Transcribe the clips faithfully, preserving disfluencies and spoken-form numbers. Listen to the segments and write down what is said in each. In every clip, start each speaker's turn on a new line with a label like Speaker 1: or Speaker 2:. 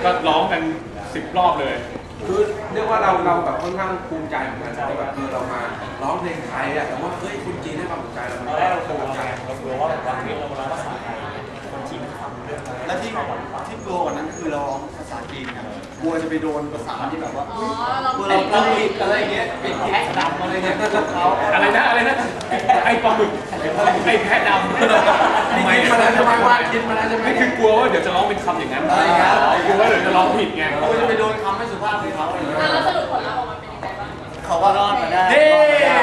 Speaker 1: ก็ร้องกันสิบรอบเลย
Speaker 2: คือเรียกว่าเราเราแบบค่อนข้างภูมิใจเหมือนกันที่แบบคือเรามาร้องเพลงไทยอะแต่ว่าเฮ้ยคนจีนให้ความสนใจเราตอนแรกเรากลัวไงเรากลัวว่าแบบว่าเฮ้ยเราร้องภาษาไทยคนจีนไม่ฟังเรื่องและที่ที่กลัวกว่านั้นคือเราร้องภาษาจีนกันกลัวจะไปโดนภาษาที่แบบว่ากลัวเราเราผิดอะไรเงี้ยผิดแพะดำอะไรเงี้ยเขา
Speaker 1: อะไรนะอะไรนะไอ้ปลาหมึกไอ้แพะดำ
Speaker 2: ทำไมมาแล้วทำไมว่าคิดมาแล้วจะไม่
Speaker 1: ไม่คือกลัวว่าเดี๋ยวจะร้องเป็นคำอย่างนั้นกลัวว่าเดี๋ยวจะร้องผิดไง
Speaker 2: กลัวจะไปโดนคำไม่สุภาพของเขาอะไรเงี้ย
Speaker 3: แล้วสรุปผลลัพธ์ออกมาเป็นยังไงบ้าง
Speaker 2: เขาว่ารอดมาได้
Speaker 1: เฮ้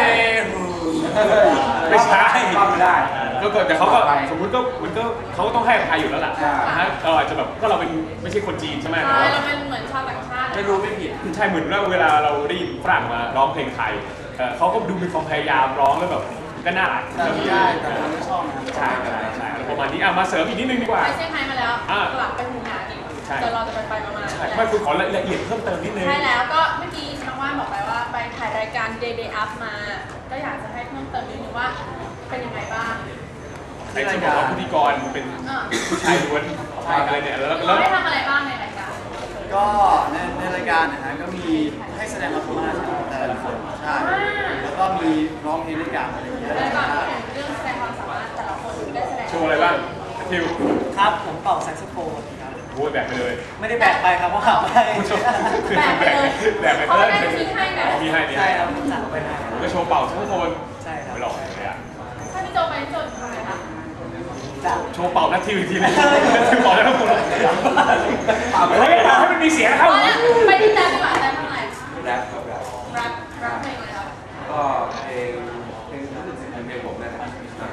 Speaker 1: ไม่ใช่
Speaker 2: รอดมาได้
Speaker 1: ก็เกิดแต่เขาก็สมมุติก็มันก็เขาก็ต้องให้อภัยอยู่แล้วล่ะนะฮะเราอาจจะแบบก็เราเป็นไม่ใช่คนจีนใช่ไหม
Speaker 3: ใช่เราเป็นเหมือนชาวต่างชาติ
Speaker 2: ไม่รู้ไม่ผิด
Speaker 1: ใช่เหมือนว่าเวลาเราได้ยินฝรั่งมาร้องเพลงไทยเขาก็ดูมีความพยายามร้องแล้วแบบก็น่ารัก
Speaker 2: ก็มีได้แต่เราไม่ชอบ
Speaker 1: ใช่ใช่ใช่ประมาณนี้อ่ะมาเสริมอีกนิดนึงดีกว่า
Speaker 3: ไปเซี่ยงไฮ้มาแล้วกลับไปหูหนาอีกเดี๋ยวเราจะไปไปมา
Speaker 1: ใช่ไม่คุณขอละเอียดเพิ่มเติมนิดนึง
Speaker 3: ใช่แล้วก็เมื่อกี้น้องว่านบอกไปว่าไปถ่ายรายการ Day Day Up มาก็อยากจะให้เพิ่มเติมนิดนึงว่าเป็นยังไงบ้าง
Speaker 1: ไอ้ที่บอกว่าพิธีกรเป็นผู้ชายล้วนอะไรเนี่ยแล้ว
Speaker 3: แล้วได้ทำอะไรบ้างในรายการ
Speaker 2: ก็ในในรายการนะฮะก็มีให้แสดงละครแต่ละคนใช่แล้วก็มีร้องเพลงด้วยกันอะไรอย่างเงี้ย
Speaker 3: แล้วก็เรื่องแสดงความสามารถแต่ละคนได้แสดง
Speaker 1: โชว์อะไรบ้างทิว
Speaker 4: ครับผมเป่าแซกโซโฟนครับ
Speaker 1: โอ้ยแบกไปเลย
Speaker 4: ไม่ได้แบกไปครับเพราะขับไป
Speaker 3: แบกไปเลย
Speaker 1: แบกไป
Speaker 3: เลย
Speaker 1: เขา
Speaker 3: ได้มีให้ไหม
Speaker 1: มีให้มี
Speaker 4: ให้
Speaker 1: ใช่
Speaker 4: ครับสั่งไปให้
Speaker 1: ก็โชว์เป่าแซกโซโฟน
Speaker 4: ใช่ครับ
Speaker 1: ไม่หลอกเลยอ่ะ
Speaker 3: ถ้าพี่โจไปพี่โจทำอะไรคะ
Speaker 1: โชว์เป่านักทิวอีกทีนึงทิวเป่าแล้วทุกคนเฮ้ยให้มันมีเสียงครับ
Speaker 3: ไปที่แจ๊บดีกว่าแจ๊บทำอะไร
Speaker 2: แรปครับ
Speaker 3: แรปแรปเพลงอะไรครับ
Speaker 2: ก็เพลงเพลงรู้สึกเป็นเพลงผมนะครับ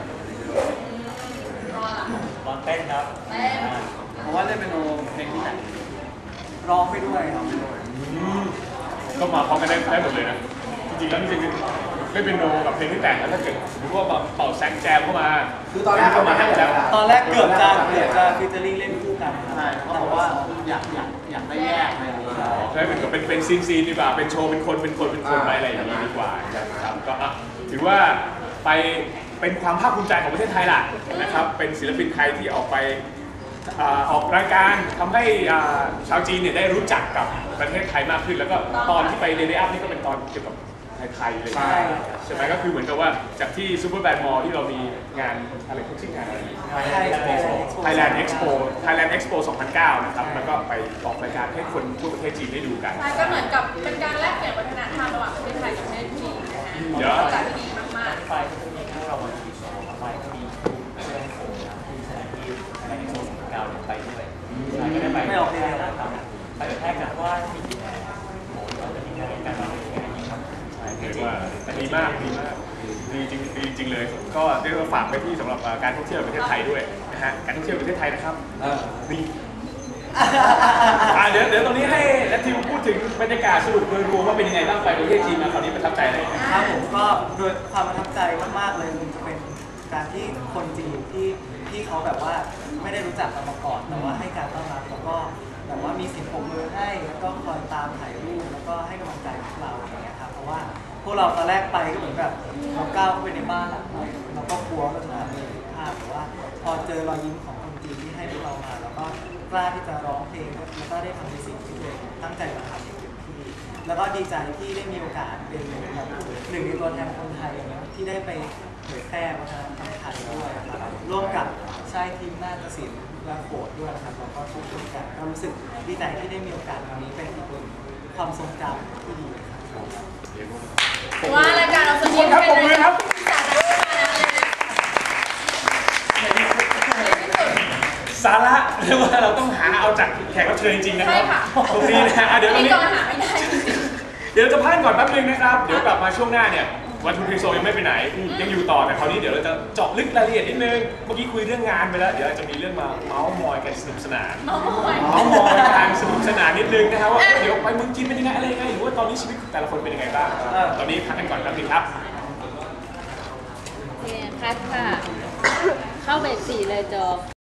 Speaker 4: ร้องเต้นครับ
Speaker 3: เต้น
Speaker 2: เพราะว่าเล่นเป็นโนเพลงที่ไหน
Speaker 4: ร้องไปด้วยครับ
Speaker 1: ก็มาพร้อมกันได้ได้หมดเลยนะจริงๆแล้วจริงๆไม่เป็นโนกับเพลงที่แต่งแล้วถ้าเกิดสมมติว่าเป่าแซกแจมเข้ามา
Speaker 2: คือตอนแรก
Speaker 1: ก็มาให้แล้ว
Speaker 4: ตอนแรกเกือบจะเกือบจะฟิชเจอริ่งเล่นคู่กัน
Speaker 2: ใช่เขาบอกว่าอยากอยากอยากได้แยกอะไรอย่างเงี้ย
Speaker 1: ใช่เป็นเป็นเป็นซีนซีนดีกว่าเป็นโชว์เป็นคนเป็นคนเป็นคนอะไรอย่างนี้ดีกว่านะครับก็ถือว่าไปเป็นความภาคภูมิใจของประเทศไทยล่ะนะครับเป็นศิลปินไทยที่ออกไปออกรายการทำให้ชาวจีนเนี่ยได้รู้จักกับประเทศไทยมากขึ้นแล้วก็ตอนที่ไปเดย์อัพนี่ก็เป็นตอนเกี่ยวกับไทยๆเลยใช่ไหมก็คือเหมือนกับว่าจากที่ซูเปอร์แบนด์มอลล์ที่เรามีงานอะไรเขาชื่องานอะไร Thailand Expo Thailand Expo สองพันเก้านะครับแล้วก็ไปออกรายการให้คนทั่วประเทศจีนได้ดูกัน
Speaker 3: ใช่ก็เหมือนกับเป็นการแลกเปลี่ยนวัฒนธรรมระหว่างประเทศไทยกับประเทศจีนนะฮะเยอะจัดที่ดีมากๆ
Speaker 4: ไปก็มีทั้งเราวันที่สองไปก็มีเพื่อนผมนะที่แสดงที่ในโซนเก่าไปด้วยก็ได้ไปไม่ออกเดียวนะครับไปแค่กันว่ามีที่ไหนโอ้เราจะมีงานกันเราเป็นยังไงครับ
Speaker 1: เรียกว่าดีมากดีมากดีจริงดีจริงเลยก็เรียกว่าฝากไปที่สำหรับการท่องเที่ยวประเทศไทยด้วยนะฮะการท่องเที่ยวประเทศไทยนะครับดีเดี๋ยวเดี๋ยวตรงนี้ให้และทีมพูดถึงบรรยากาศสรุปโดยรวมว่าเป็นยังไงบ้างไปประเทศจีนมาคราวนี้ประทับใจอะไร
Speaker 4: ครับผมก็โดยความประทับใจมากๆเลยมันจะเป็นการที่คนจีนที่ที่เขาแบบว่าไม่ได้รู้จักกันมาก่อนแต่ว่าให้การต้อนรับแล้วก็แบบว่ามีเสียงปรบมือให้แล้วก็คอยตามถ่ายรูปแล้วก็ให้กำลังใจพวกเราอย่างเงี้ยครับเพราะว่าพวกเราตอนแรกไปก็เหมือนแบบเราก้าวเข้าไปในบ้านหลังใหม่เราก็กลัวว่าจะทำอะไรผิดพลาดแต่ว่าพอเจอรอยยิ้มของคนจีนที่ให้พวกเรามาแล้วก็กล้าที่จะร้องเพลงแล้วก็ได้ทำในสิ่งที่ตัวเองตั้งใจมาทำอย่างเต็มที่แล้วก็ดีใจที่ได้มีโอกาสเป็นแบบหนึ่งในตัวแทนคนไทยนะที่ได้ไปเผยแพร่วัฒนธรรมไทยด้วยนะครับร่วมกับชายทีมนาฏศิลป์และโขนด้วยนะครับแล้วก็ช่วยกันก็รู้สึกดีใจที่ได้มีโอกาสวันนี้เป็นอีกความทรงจำที่ดี
Speaker 3: ว่ารายการเราสนุก
Speaker 1: ครับผมเลยครับสาระเรียกว่าเราต้องหาเอาจากแขกรับเชิญจริงๆนะครับตรงนี้นะเดี๋ยวตรงนี้เดี๋ยวจะพักก่อนแป๊บนึงนะครับเดี๋ยวกลับมาช่วงหน้าเนี่ยวันทูทีโซยังไม่ไปไหนยังอยู่ต่อแต่คราวนี้เดี๋ยวเราจะเจาะลึกรายละเอียดนิดนึงเมื่อกี้คุยเรื่องงานไปแล้วเดี๋ยวจะมีเรื่องมาเมาส์มอยกันสนุกสนานเมาส์มอยกันสนุกสนานนิดนึงนะครับว่าเดี๋ยวไปเมืองจีนเป็นยังไงอะไรยังไงหรือว่าตอนนี้ชีวิตแต่ละคนเป็นยังไงบ้างตอนนี้พักกันก่อนแป๊บนึงครับ
Speaker 5: โอเคคัดค่ะเข้าเบรกสี่เลยจบ